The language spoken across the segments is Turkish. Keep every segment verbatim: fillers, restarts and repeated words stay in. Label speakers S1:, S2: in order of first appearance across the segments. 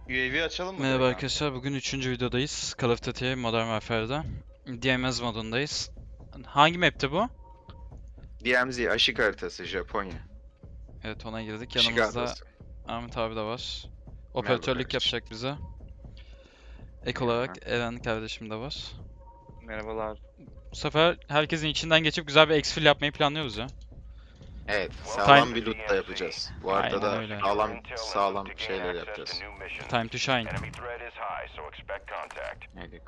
S1: U A V açalım mı
S2: Merhaba
S1: direkt
S2: arkadaşlar, bugün üçüncü videodayız. Call of Duty Modern Warfare'da. D M Z modundayız. Hangi map'ti bu?
S3: D M Z Aşık haritası Japonya.
S2: Evet, ona girdik.
S3: Aşık
S2: Yanımızda
S3: haritası.
S2: Ahmet abi de var.
S3: Merhaba
S2: Operatörlük
S3: kardeşim.
S2: yapacak bize. Ek
S3: Eyvallah.
S2: olarak Eren kardeşim de var.
S1: Merhabalar.
S2: Bu sefer herkesin içinden geçip güzel bir exfil yapmayı planlıyoruz ya.
S3: Evet,
S2: Time-
S3: sağlam bir loot da yapacağız. Bu
S2: Aynen
S3: arada da
S2: öyle.
S3: sağlam sağlam şeyler yapacağız.
S2: Time to shine.
S3: Hadi.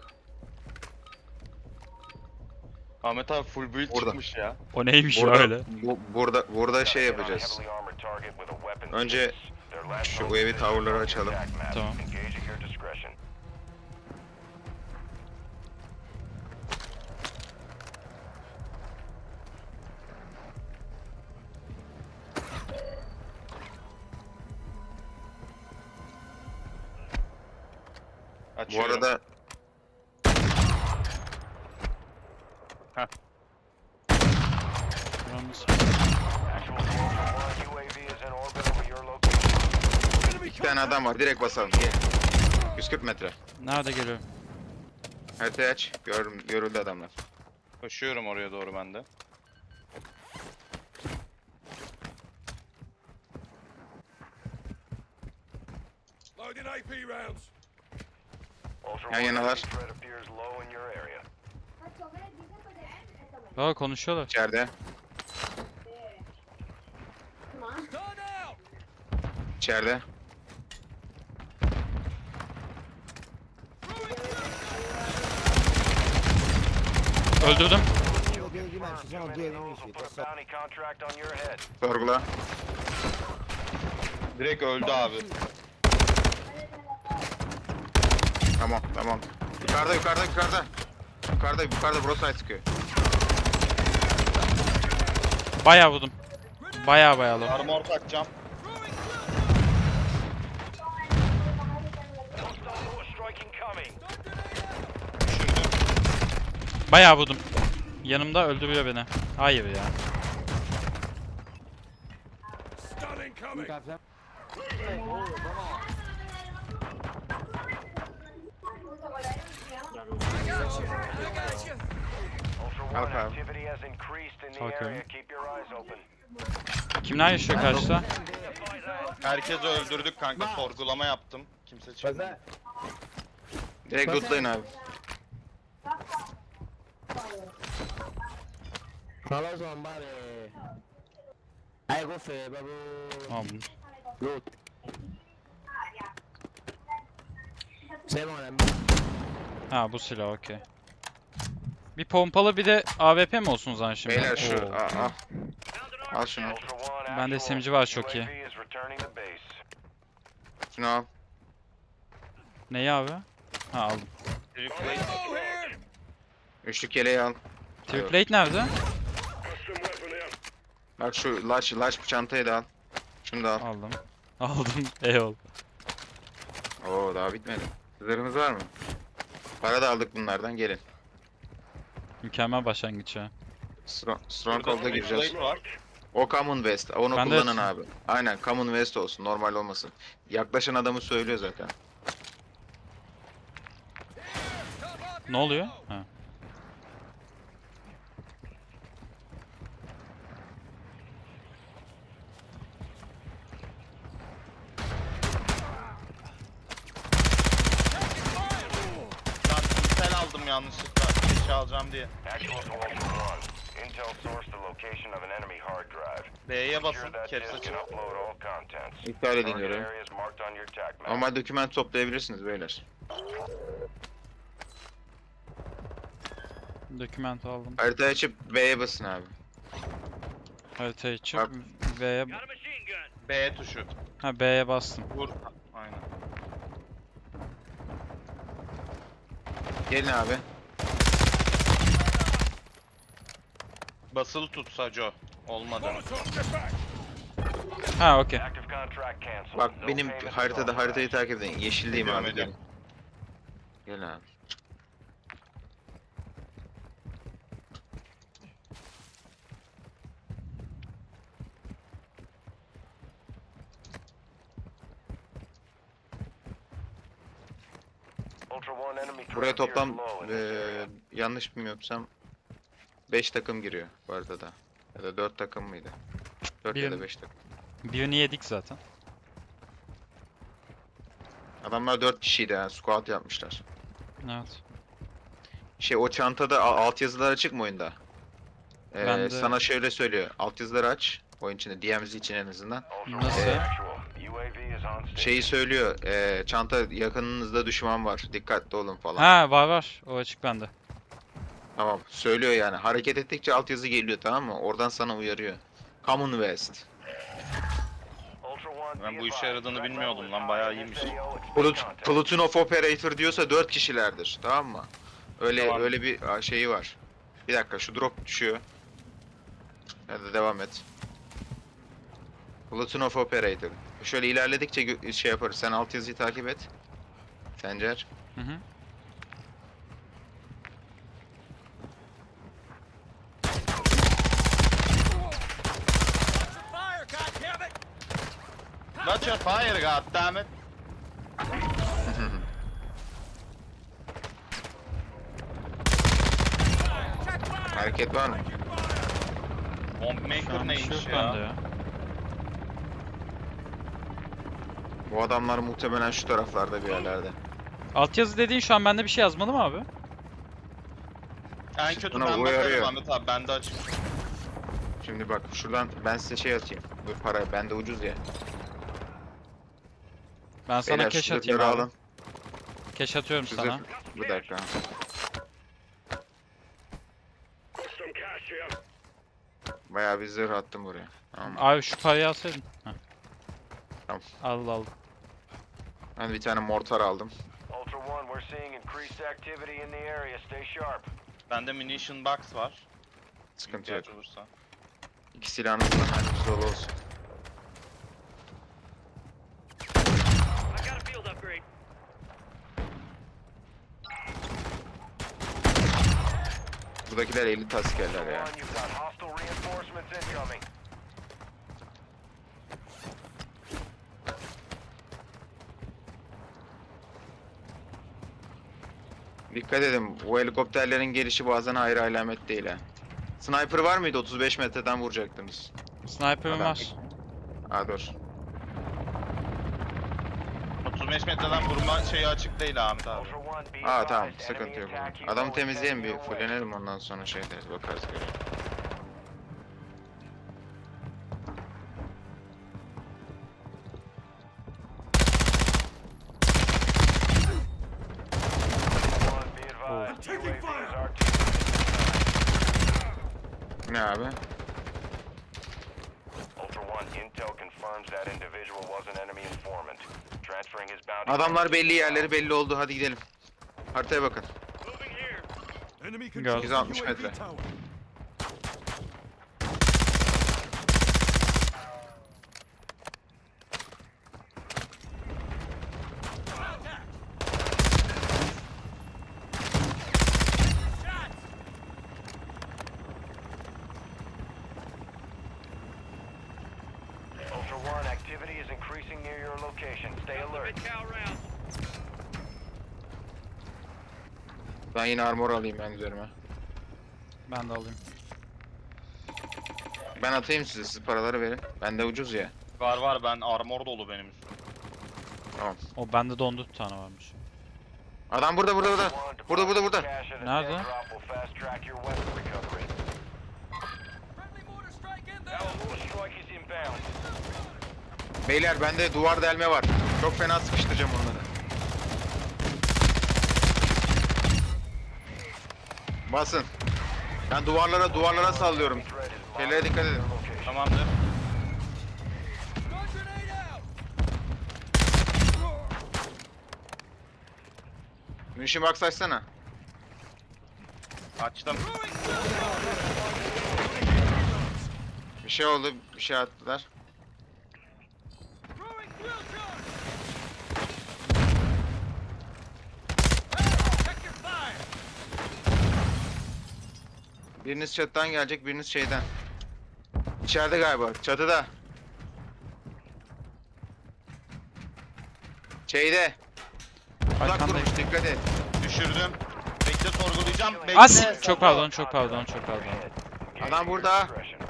S1: Ahmet abi full build
S3: Orada.
S1: çıkmış ya.
S2: O neymiş
S3: Burada,
S2: öyle?
S3: bu, burada burada şey yapacağız. Önce şu U A V tower'ları açalım.
S2: Tamam.
S3: Bu
S1: Açıyorum.
S3: arada
S2: Yalnız-
S3: iki tane adam var. Direkt basalım. Gel. yüz kırk metre.
S2: Nerede geliyor?
S3: Haritayı aç. Gör, görüldü adamlar.
S1: Koşuyorum oraya doğru ben de.
S4: Loading A P rounds.
S3: Yan yanalar.
S2: Aa, konuşuyorlar.
S3: İçeride.
S4: Turn out.
S3: İçeride.
S2: Öldürdüm.
S3: Sorgula.
S1: Direkt öldü abi.
S3: Tamam, tamam. Yukarıda, yukarıda, yukarıda. Yukarıda, yukarıda Broside sıkıyor.
S2: Bayağı vurdum. Bayağı bayağı low.
S1: Armor takacağım. Düşürdüm.
S2: Bayağı vurdum. Yanımda öldürüyor beni. Hayır ya.
S4: Stun incoming.
S3: Kalk abi.
S2: Kalkıyorum. Kimler yaşıyor karşıda?
S1: Herkesi öldürdük kanka. Sorgulama yaptım. Kimse çıkmadı.
S3: Direkt lootlayın abi.
S5: خلاص هم بعد هيقف بابو
S2: Tamam.
S5: لوت سيبهم على
S2: Ha, bu silah okey. Bir pompalı bir de A W P mi olsun o zaman şimdi?
S3: Beyler şu,
S2: Oo.
S3: al, al. Al şunu.
S2: Bende S M G var, çok iyi.
S3: Şunu al.
S2: Neyi abi? Ha, aldım.
S1: Replay.
S4: Go here.
S3: Üçlük yeleği al.
S2: Triplate nerede?
S3: Bak şu laç, laç çantayı da al. Şunu da al.
S2: Aldım. Aldım. Eyvallah.
S3: Oo daha bitmedi. Zırhımız var mı? Para da aldık bunlardan, gelin.
S2: Mükemmel başlangıç ya.
S3: Stro- Stronghold'a gireceğiz.
S1: Replay var.
S3: O Common West. Onu
S2: Ben de-
S3: kullanın abi. Aynen Common West olsun. Normal olmasın. Yaklaşan adamı söylüyor zaten.
S2: Ne oluyor? Ha.
S1: Ben pinsel aldım yanlışlıkla. Eşya alacağım diye. B'ye basın. Caps açın.
S3: İptal edin görevi. Normal doküman toplayabilirsiniz beyler.
S2: Doküment aldım.
S3: Haritayı açıp B'ye basın abi.
S2: Haritayı açıp
S3: Bak.
S2: V'ye...
S1: B tuşu.
S2: Ha, B'ye bastım.
S1: Vur. Aynen.
S3: Gelin abi.
S1: Basılı tut Saco. Olmadı.
S4: Molotov, get back.
S2: Ha, okey.
S3: Bak benim haritada haritayı takip edin. Yeşildeyim
S1: Ediyorum,
S3: abi.
S1: ediyorum.
S3: Gelin. Gelin abi. Buraya toplam eee, yanlış bilmiyorsam beş takım giriyor bu arada da. Ya da dört takım mıydı? dört ya da
S2: Bir-
S3: beş takım.
S2: Birini yedik zaten.
S3: Adamlar dört kişiydi yani squad yapmışlar.
S2: Evet.
S3: Şey o çantada a- altyazılar açık mı oyunda? Ee,
S2: Ben de-
S3: Sana şöyle söylüyor. Altyazıları aç. Oyun içinde D M Z için en azından.
S2: Nasıl?
S3: Ee, Şeyi söylüyor. ee, çanta yakınınızda düşman var. Dikkatli olun falan.
S2: Ha, var var. O açık bende.
S3: Tamam. Söylüyor yani. Hareket ettikçe altyazı geliyor, tamam mı? Oradan sana uyarıyor. Commonwealth.
S1: Ben bu işe yaradığını bilmiyordum lan, bayağı iyiymiş.
S3: Plut Platoon of Operator diyorsa dört kişilerdir. Tamam mı? Öyle
S1: Tamam.
S3: öyle bir a, şeyi var. Bir dakika, şu drop düşüyor. Hadi devam et. Platoon of Operator. Şöyle ilerledikçe gö- şey yaparız. Sen altyazıyı takip et. Sencer.
S2: Hı hı.
S4: Fire, goddammit!
S1: Watch your fire, goddammit.
S4: Check fire!
S3: Hareket var mı?
S1: Bomb
S2: Şu
S1: maker
S2: an bir şey
S1: neymiş
S2: yok bende
S1: ya?
S2: ya.
S3: Bu adamlar muhtemelen şu taraflarda bir yerlerde.
S2: Altyazı dediğin şu an bende bir şey yazmalı mı abi?
S1: En kötü
S3: Bana
S1: ben
S3: uyarıyor.
S1: bakarım Ahmet abi, bende açık.
S3: Şimdi bak şuradan ben size şey atayım. Bu para bende ucuz ya.
S2: Ben sana
S3: Beyler,
S2: cash
S3: şu
S2: atayım
S3: zırhları
S2: abi.
S3: alın.
S2: Cash atıyorum
S3: Şu
S2: sana.
S3: zırh- Bir dakika. Bayağı bir zırh attım buraya. Tamam.
S2: Abi şu parayı alsaydın. Heh.
S3: Tamam.
S2: Al al.
S3: Ben bir tane mortar aldım.
S6: Ultra One, we're seeing increased activity in the area. Stay sharp.
S1: Bende munition box var.
S3: Sıkıntı yok.
S1: İhtiyaç olursa.
S3: İki silahınız da mermimiz dolu olsun.
S6: I got a field upgrade.
S3: Buradakiler elit askerler ya.
S6: One, you've got hostile reinforcements incoming.
S3: Dikkat edin, bu helikopterlerin gelişi bazen hayra alamet değil ha. Sniper var mıydı? otuz beş metreden vuracaktınız.
S2: Sniper'ım
S3: Adam.
S2: var.
S3: Ha dur.
S1: otuz beş metreden vurma şeyi açık değil Ahmet abi.
S6: Ultra One, be
S3: Aa tamam,
S6: advised,
S3: sıkıntı
S6: enemy
S3: yok. o
S6: attack
S3: zaman.
S6: helo
S3: Adamı
S6: is
S3: temizleyelim, bir
S6: heading your way.
S3: fullenelim, ondan sonra şey deriz, bakarız göre.
S6: One, be advised,
S4: taking
S6: U A V
S4: fire.
S6: is R T.
S3: Ne abi?
S6: Ultra One, intel confirms that individual was an enemy informant. Transferring his bounty.
S3: Adamlar belli, yerleri belli oldu, hadi gidelim. Haritaya bakın.
S6: Moving here.
S4: Enemy
S2: Gördüm.
S4: controls
S3: yüz altmış
S4: the U A V
S3: metre.
S4: tower.
S6: Ultra One, activity is increasing near your location. Stay alert.
S3: Ben yine armor alayım ben üzerime.
S2: Ben de alayım.
S3: Ben atayım size, siz paraları verin. Bende ucuz ya.
S1: Var var, ben armor dolu benim üstüm.
S2: O bende de on dört tane varmış.
S3: Adam burada, burada, burada.
S6: One,
S3: Burada, burada, burada.
S6: cash at a
S2: Nerede?
S6: dead drop will fast track your weapon recovery.
S4: Friendly mortar strike in there!
S6: Our strike is inbound.
S3: Beyler bende duvar delme var. Çok fena sıkıştıracağım onları. Basın. Ben duvarlara duvarlara sallıyorum.
S6: Threat is
S3: Şeylere dikkat edin.
S6: monitoring your location.
S1: Tamamdır.
S4: Stun grenade out!
S3: Munition box açsana.
S1: Açtım.
S3: Bir şey oldu, bir şey attılar.
S4: Throwing fuel charge! Hey, check your fire!
S3: Biriniz çatıdan gelecek, biriniz şeyden. İçeride galiba, çatıda. Şeyde. Uzak
S2: Arkandayım.
S3: durmuş, dikkat et.
S1: Düşürdüm. Bekle sorgulayacağım. Bekle.
S2: As! Çok pardon, çok pardon, çok pardon.
S3: Adam burada.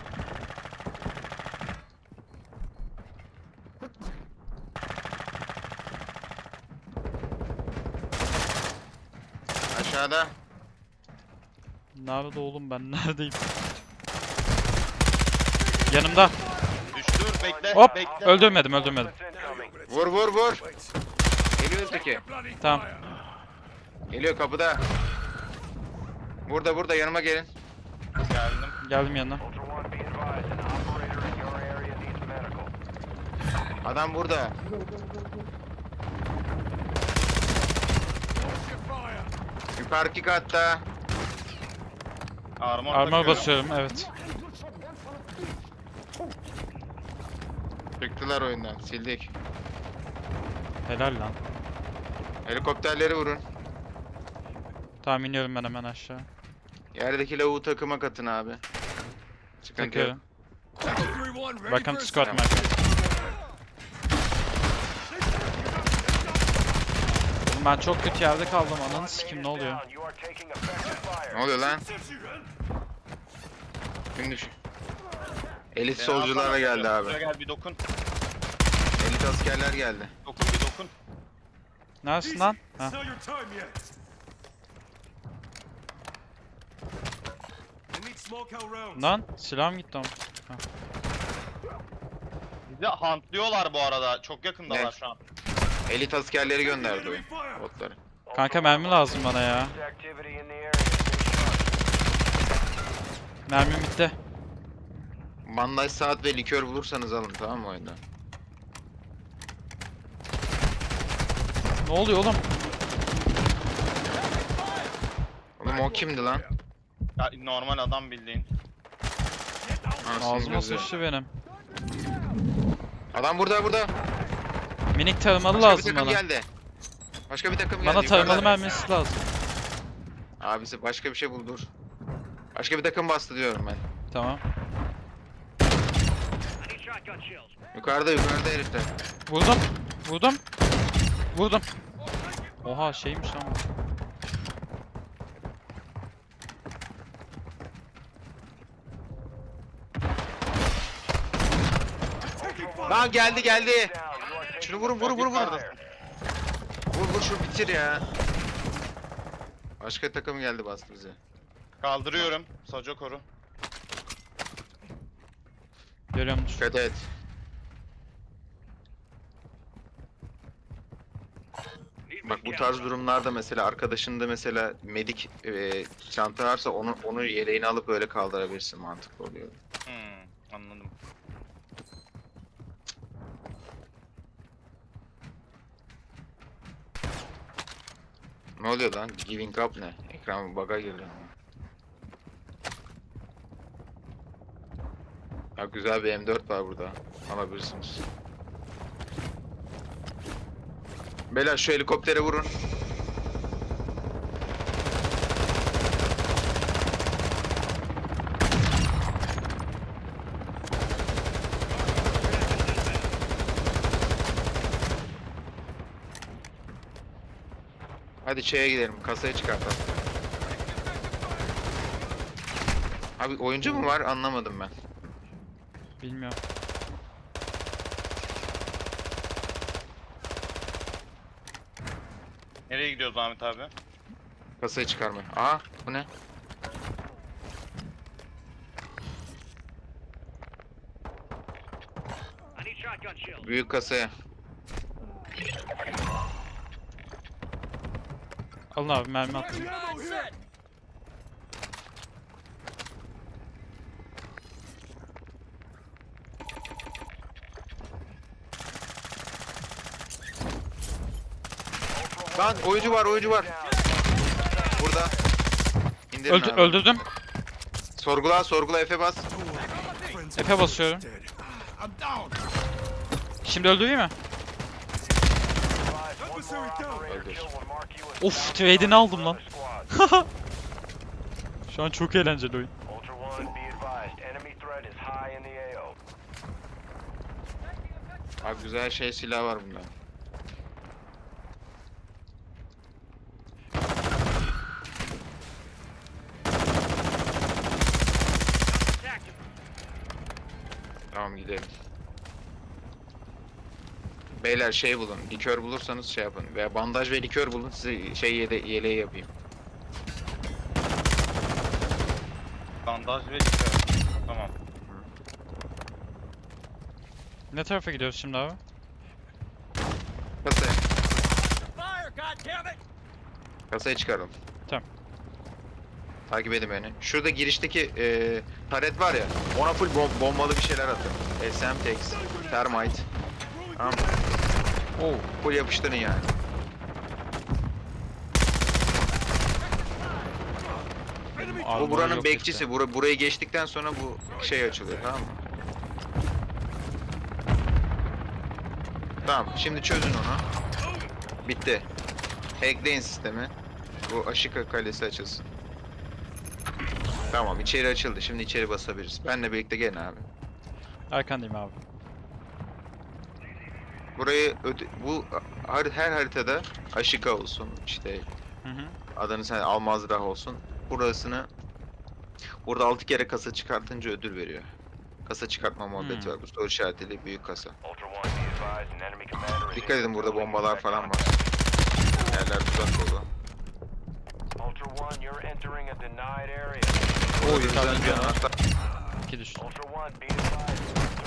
S3: Aşağıda.
S2: Nerede oğlum ben? Neredeyim? Yanımda.
S1: Düştür bekle.
S2: Hop!
S1: Bekle.
S2: Öldürmedim, öldürmedim.
S3: Vur vur vur. Geliyor öteki.
S2: Tamam.
S3: Geliyor kapıda. Burada burada yanıma gelin.
S1: Geldim.
S2: Geldim yanına.
S6: Ultra One, be advised, an operator in your area needs medical.
S3: Adam burada.
S4: Your fire.
S3: Yukarıki katta.
S1: Armor,
S2: Armor
S1: takıyorum.
S2: basıyorum, evet.
S3: Çıktılar oyundan. Sildik.
S2: Helal lan.
S3: Helikopterleri vurun.
S2: Tamam iniyorum ben hemen aşağı.
S3: Yerdeki lavuğu takıma katın abi. Sıkıntı yok.
S2: Takıyorum.
S4: three one, ready
S2: Welcome
S4: for
S2: to
S4: a
S2: squad,
S4: second.
S2: Michael. Oğlum ben çok kötü yerde kaldım. Ananı sikim ne oluyor?
S6: You are taking effective fire.
S3: Ne oluyor lan? Şimdi şu. Elit
S1: Beni
S3: solcularla
S1: alsana.
S3: geldi abi.
S1: Şuraya gel bir dokun.
S3: Elit askerler geldi.
S1: Dokun bir dokun.
S2: Neredesin lan? Ha. Lan silahım gitti ama.
S1: Bizi huntlıyorlar bu arada. Çok yakındalar
S3: Ne?
S1: şu an.
S3: Elit askerleri gönderdi oyun. Botları.
S2: Kanka mermi lazım bana ya.
S6: Activity in the area. Stay sharp.
S2: Mermim bitti.
S3: Bandaj saat ve likör bulursanız alın, tamam mı oyunda?
S2: Ne oluyor oğlum?
S3: Oğlum o kimdi lan?
S1: Ya, normal adam bildiğin.
S3: Anasının
S2: Ağzıma
S3: gözü.
S2: sıçtı benim.
S3: Adam burada burada.
S2: Minik tarımalı
S3: Başka bir
S2: lazım
S3: takım
S2: bana.
S3: geldi. Başka bir takım geldi.
S2: Bana tarımalı
S3: yukarıda.
S2: mermisi lazım.
S3: Abisi başka bir şey bul, dur. Başka bir takım bastı diyorum ben.
S2: Tamam.
S3: Yukarıda yukarıda herifler.
S2: Vurdum. Vurdum. Vurdum. Oha şeymiş lan bu.
S3: Lan geldi geldi.
S6: Down. You are taking
S3: Şunu vurun vurun vurun vurun.
S6: fire.
S3: Vur vur şunu bitir ya. Başka takım geldi bastı bize.
S1: Kaldırıyorum. Saco koru.
S2: Görüyorum.
S3: Dikkat et. Bak bu tarz durumlarda mesela arkadaşında mesela medik e, çanta varsa onu onu yeleğini alıp böyle kaldırabilirsin, mantıklı oluyor.
S1: Hmm, anladım.
S3: Ne oluyor lan? Giving up ne? Ekran bug'a girdi. Ya güzel bir M dört var burada. Alabilirsiniz. Beyler şu helikoptere vurun. Hadi şeye gidelim, kasaya çıkartalım. Abi oyuncu mu var? Anlamadım ben.
S2: Bilmiyorum.
S1: Nereye gidiyoruz Ahmet abi?
S3: Kasayı çıkarmaya. Aa, bu ne? Büyük kasaya.
S2: Alın abi mermi attım.
S4: Nine set.
S3: Lan oyuncu var, oyuncu var. Burada. İndirin
S2: Öldü,
S3: abi.
S2: öldürdüm.
S3: Sorgula, sorgula F'e bas.
S2: Efe basıyorum. Şimdi öldüreyim mi?
S6: Advise one more operator kill will mark you as
S2: Of trade'ini aldım lan.
S6: squad.
S2: Şu an çok eğlenceli oyun.
S6: Ultra One, be advised, enemy threat is high in the A O.
S3: Abi güzel şey silah var bunda. Tamam gidelim. Beyler şey bulun. Likör bulursanız şey yapın. Veya bandaj ve likör bulun. Size şey yede yeleği yapayım.
S1: Bandaj ve likör. Tamam.
S2: Ne tarafa gidiyoruz şimdi abi?
S3: Kasaya.
S4: Fire, goddammit!
S3: Kasaya çıkaralım.
S2: Tamam.
S3: Takip edin beni. Şurada girişteki e, taret var ya. Ona full bom- bombalı bir şeyler atın. S M T X, Termite. Tamam.
S2: Oo.
S3: Full yapıştırın yani. Bu
S2: Armor
S3: buranın
S2: yok
S3: bekçisi.
S2: işte.
S3: Bura, burayı geçtikten sonra bu şey açılıyor, tamam mı? Tamam, şimdi çözün onu. Bitti. Hackleyin sistemi. Bu Ashika kalesi açılsın. Tamam, içeri açıldı. Şimdi içeri basabiliriz. Benle birlikte gelin abi.
S2: Arkandayım abi.
S3: Burayı öde- bu har- her haritada Ashika olsun, işte
S2: Hı hı.
S3: adını sen Almazrah olsun. Burasını burada altı kere kasa çıkartınca ödül veriyor. Kasa çıkartma muhabbeti
S2: Hmm.
S3: var. Bu soru işaretli büyük kasa.
S6: Ultra One, be advised, an enemy commander is
S3: Dikkat edin,
S6: in
S3: burada
S6: building.
S3: bombalar falan var. Yerler tuzak dolu.
S6: Ultra One, you're entering a denied area.
S3: O
S2: yukarıdan
S3: yüzden bir
S2: canavar.
S3: anahtar.
S2: İki düştü.
S6: Ultra One, be advised.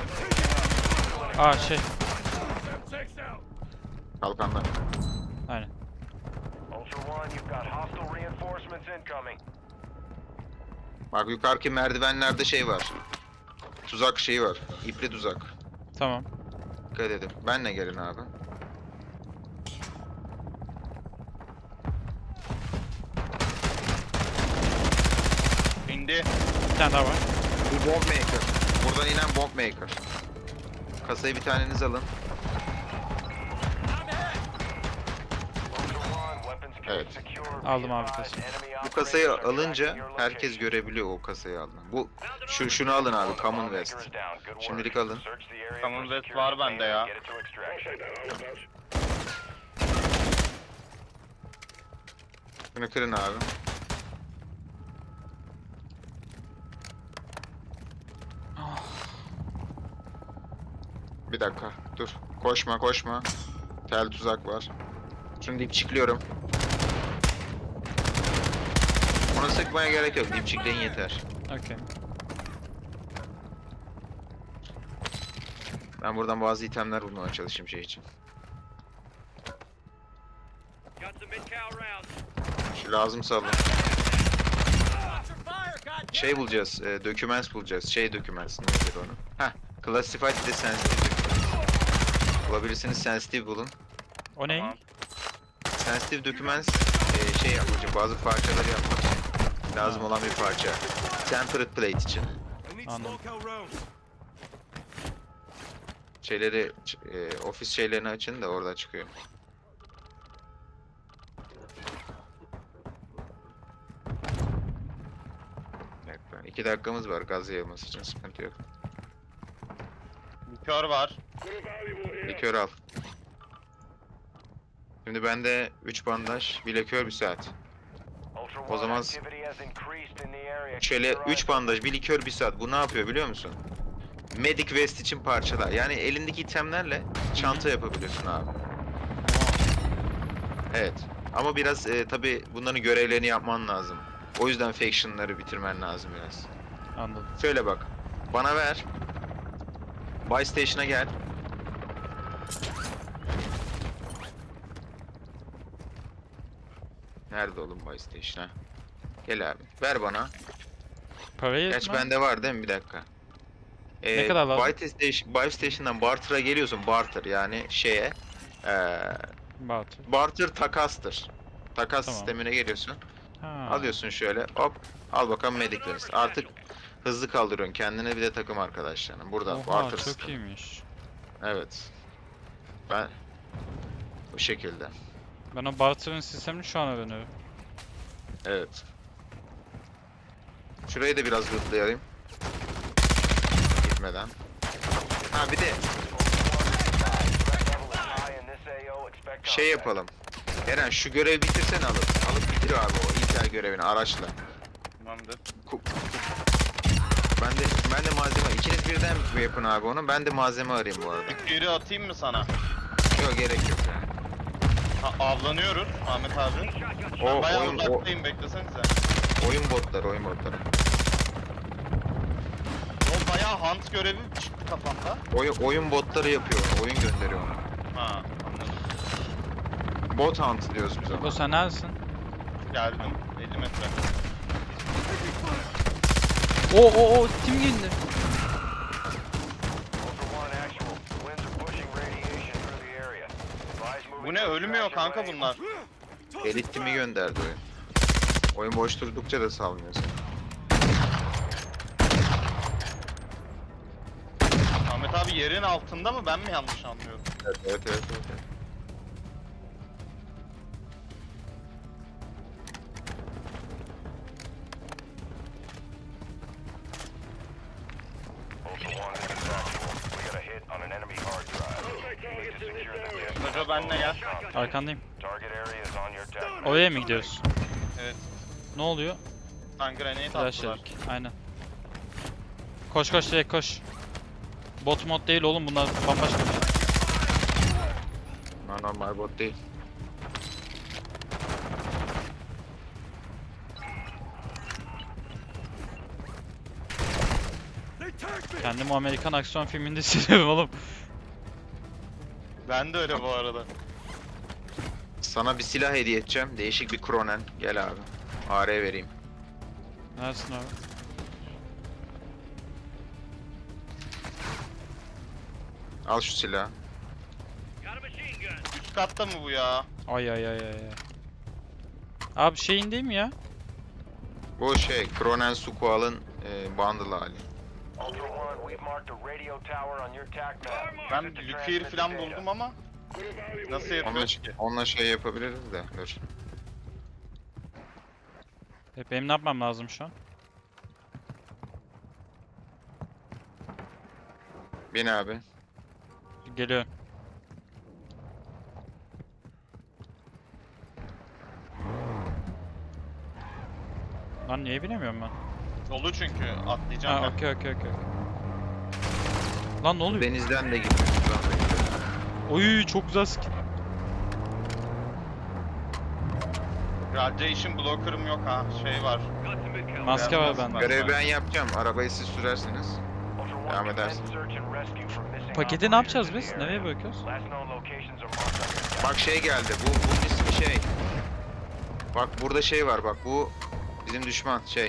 S2: Aa şey.
S4: Six out!
S3: Kalkanlar.
S2: Aynen.
S6: Ultra One, you've got hostile reinforcements incoming.
S3: Bak yukarıki merdivenlerde şey var. Tuzak şeyi var. İpli tuzak.
S2: Tamam.
S3: Dikkat edin. Benle gelin abi.
S1: İndi.
S2: Bir tane daha var.
S3: Bu bomb maker. Buradan inen bomb maker. Kasayı bir taneniz alın.
S6: Ultra One, weapons case
S3: Evet.
S6: secure. Be
S2: Aldım abi
S6: advised,
S2: kasayı.
S6: enemy
S3: Bu kasayı
S6: operators are
S3: alınca
S6: tracking your
S3: herkes
S6: location.
S3: görebiliyor o kasayı aldığını. Bu şu şunu alın abi, Commonwealth.
S6: Bomb maker is down. Good work.
S3: Şimdilik alın.
S6: Search the area for
S1: Commonwealth
S6: secure
S1: var bende
S6: container and
S1: ya.
S6: get it to extraction.
S3: Bunu kırın abi. Bir dakika dur. Koşma koşma. Tel tuzak var. Şimdi dipçikliyorum. Onu sıkmaya gerek yok. Dipçikleyin yeter.
S2: Okey.
S3: Ben buradan bazı itemler bulmaya çalışayım şey için.
S4: Got some mid-cal rounds.
S3: Şu lazımsa alın.
S4: Watch your fire, goddammit!
S3: Şey bulacağız. E, documents bulacağız. Şey documents. Nedir onu? Heh. Classified bir de sensitive documents. Bulabilirsiniz. Sensitive bulun.
S2: O ne?
S1: Tamam.
S3: Sensitive documents e, şey yapmak için, bazı parçaları yapmak için lazım
S2: Ha.
S3: olan bir parça. Tempered plate için.
S4: I need
S2: Anladım.
S4: small cal rounds.
S3: Şeyleri, ç- e, ofis şeylerini açın da orada çıkıyor. Bir dakika. İki dakikamız var gaz yayılması için, sıkıntı yok.
S1: Likör var.
S3: Likör al. Şimdi bende üç bandaj, bir likör, bir saat.
S6: Ultra
S3: O
S6: One,
S3: zaman
S6: activity has increased in the area.
S3: şöyle
S6: Keep your eyes
S3: üç bandaj, bir likör, bir saat. Bu ne yapıyor biliyor musun? Medic vest için parçalar. Yani elindeki itemlerle çanta yapabiliyorsun abi. Evet. Ama biraz e, tabi bunların görevlerini yapman lazım. O yüzden faction'ları bitirmen lazım biraz.
S2: Anladım.
S3: Şöyle bak. Bana ver. Buy Station'a gel. Nerede oğlum Buy Station ha? Gel abi. Ver bana.
S2: Parayı
S3: Gerçi
S2: etme.
S3: bende var değil mi? Bir dakika. Ee,
S2: Ne kadar lazım?
S3: Buy Station, Buy Station'dan Barter'a geliyorsun. Barter yani şeye. Ee,
S2: Batı.
S3: barter takastır. Takas
S2: Tamam.
S3: sistemine geliyorsun.
S2: Ha.
S3: Alıyorsun şöyle. Hop. Al bakalım Medic Vest. Artık hızlı kaldırıyorsun kendine, bir de takım arkadaşlarına. Burada
S2: Oha
S3: barter
S2: çok
S3: sistemi.
S2: iyiymiş.
S3: Evet. Ben bu şekilde.
S2: Ben o barter'ın sistemini şu an öğreniyorum.
S3: Evet. Şurayı da biraz lootlayalım. Gitmeden. Ha bir de
S6: high in this A O. Expect
S3: şey
S6: contact.
S3: yapalım. Eren şu görevi bitirsene alıp. Alıp bitir abi o ilkel görevini araçla.
S1: Tamamdır.
S3: Ku- Ben Ben de ben de malzeme. İkiniz birden mi yapın abi onu? Ben de malzeme arayayım bu arada.
S1: Yürü atayım mı sana?
S3: Yok gerek yok yani.
S1: Ha, avlanıyoruz Ahmet abi.
S3: O
S1: Bayağı
S3: oyun o,
S1: uzaktayım beklesenize.
S3: oyun botları, oyun botları.
S1: O bayağı hunt görevi çıktı kafamda.
S3: Oyun, oyun botları yapıyor onu, oyun gönderiyor onu.
S1: Ha anladım.
S3: Bot hunt diyoruz biz ona.
S2: Bu sen neredesin?
S1: Geldim. elli metre.
S2: Oo oo oo tim geldi.
S6: Ultra One actual. Winds are pushing radiation through the area. Advise moving
S1: Bu ne
S6: to
S1: ölmüyor
S6: extraction
S1: kanka
S6: range.
S1: bunlar.
S3: Elit timi gönderdi oyun. Oyun boş durdukça da salmıyor seni.
S1: Ahmet abi yerin altında mı ben mi yanlış anlıyorum?
S3: Evet evet evet. evet. evet.
S6: Ultra One, this is actual. We got a hit on an enemy hard drive. You need to secure the disk.
S1: Hoca benle gel.
S2: Arkandayım.
S6: Target area is on your deck.
S2: Oraya mı gidiyoruz?
S1: Evet.
S2: Ne oluyor?
S1: Sen grenade
S2: Flash
S1: attılar.
S2: yedik. Aynen. Koş koş direkt koş. Bot mod değil oğlum bunlar bambaşka bir şey.
S3: Ha, normal bot değil.
S4: They tagged me.
S2: Kendimi o Amerikan aksiyon filminde hissediyorum oğlum.
S1: Ben de öyle bu arada.
S3: Sana bir silah hediye edeceğim. Değişik bir Kronen. Gel abi. A R vereyim.
S2: Neredesin abi?
S3: Al şu silahı.
S4: Got a machine gun.
S1: Üst katta mı bu ya?
S2: Ay ay ay ay ay. Abi şeyin değil mi ya?
S3: Bu şey Kronen Sukual'ın e, bundle hali.
S6: Ultra One, we've marked a radio tower on your tac map.
S1: Ben
S6: Use it to
S1: Lükir
S6: transmit the
S1: falan
S6: data.
S1: buldum ama nasıl
S3: Onunla,
S1: yapıyoruz ki?
S3: onunla şey yapabiliriz de. Dur.
S2: E, benim ne yapmam lazım şu an?
S3: Bin abi.
S2: Geliyorum. Lan niye binemiyorum ben?
S1: Dolu çünkü atlayacağım
S2: Ha
S1: ben.
S2: okey okey okey. Lan ne oluyor?
S3: Denizden de gidiyor. Sudan da gidiyor.
S2: Oy çok güzel skin.
S1: Radiation blocker'ım yok ha. Şey var.
S4: Got some mid cal.
S2: Maske var
S1: Beyaz
S2: bende.
S1: maske.
S3: Görevi ben yapacağım. Arabayı siz sürersiniz.
S6: Ultra One,
S3: Devam
S6: commence
S3: edersin.
S6: search and rescue for missing
S2: Paketi ne yapacağız
S6: operators
S2: biz?
S6: in the
S2: Nereye
S6: area.
S2: bırakıyoruz?
S6: Last known locations are marked on your tac.
S3: Bak şey geldi. Bu bunun ismi şey. Bak burada şey var bak bu bizim düşman şey.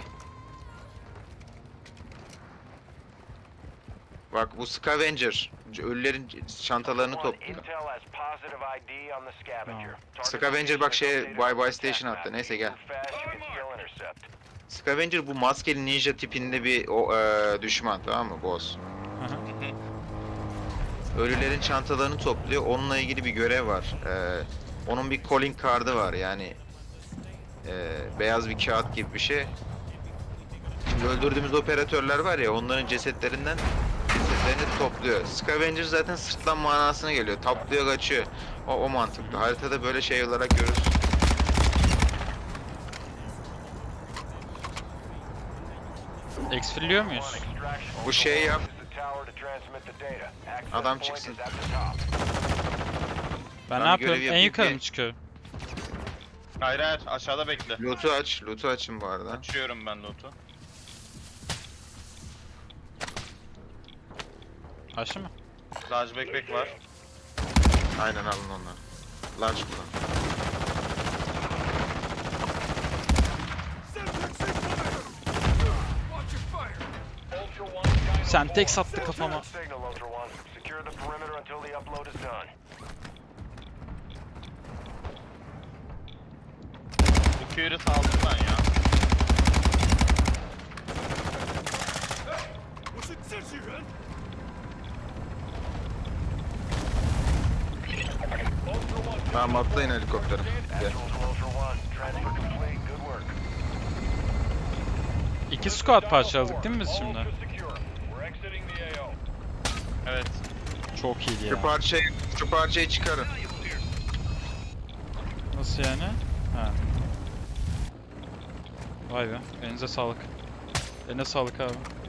S3: Bak bu Scavenger. Ölülerin çantalarını
S6: Ultra One,
S3: topluyor.
S6: Intel has positive I D on the scavenger. Target
S3: Scavenger bak
S6: location
S3: şeye,
S6: is updated
S3: Bye Bye
S6: on your
S3: Station
S6: tac
S3: attı.
S6: map.
S3: Neyse
S6: If
S3: gel.
S6: you move fast, you can still intercept.
S3: Scavenger bu maskeli ninja tipinde bir o, eee, düşman tamam mı boss?
S2: Hı hı.
S3: Ölülerin çantalarını topluyor. Onunla ilgili bir görev var. Eee, onun bir calling card'ı var yani eee, beyaz bir kağıt gibi bir şey. Şimdi öldürdüğümüz operatörler var ya onların cesetlerinden cesetlerini topluyor. Scavenger zaten sırtlan manasına geliyor. Taplıyor kaçıyor. O, o mantıklı. Haritada böyle şey olarak görürüz.
S2: Exfilliyor muyuz?
S6: One, extraction.
S3: Bu şey yap.
S6: Use the tower to transmit the data. Access
S3: Adam
S6: point
S3: çıksın.
S6: is at the top.
S2: Ben
S3: Ben
S2: ne
S3: bir görev
S2: yapıyorum? En
S3: yapayım
S2: yukarı
S3: ki-
S2: mı çıkıyorum?
S1: Hayır hayır aşağıda bekle.
S3: Loot'u aç. Loot'u açın bu arada.
S1: Açıyorum ben loot'u.
S2: Aşı mı?
S1: Large backpack var.
S3: Aynen alın onları. Large kullan.
S4: Semtex fire. Watch your fire.
S6: Ultra One, Dynamo
S2: Sen tek
S6: One.
S2: sattı kafama.
S6: Signal, Ultra One. Secure the perimeter until the upload is done.
S1: Lükir'i saldım ben ya.
S4: What's it says here, huh? Ultra One.
S3: Tamam atlayın helikoptere. Gel.
S6: Actual to Ultra One. Transfer complete. Good work.
S2: İki squad parçaladık değil mi biz şimdi?
S4: All secure. We're exiting the A O.
S1: Evet.
S2: Çok iyiydi
S3: Şu
S2: ya.
S3: parçayı, şu parçayı çıkarın.
S2: Nasıl yani? Ha. Vay be. Elinize sağlık. Eline sağlık abi.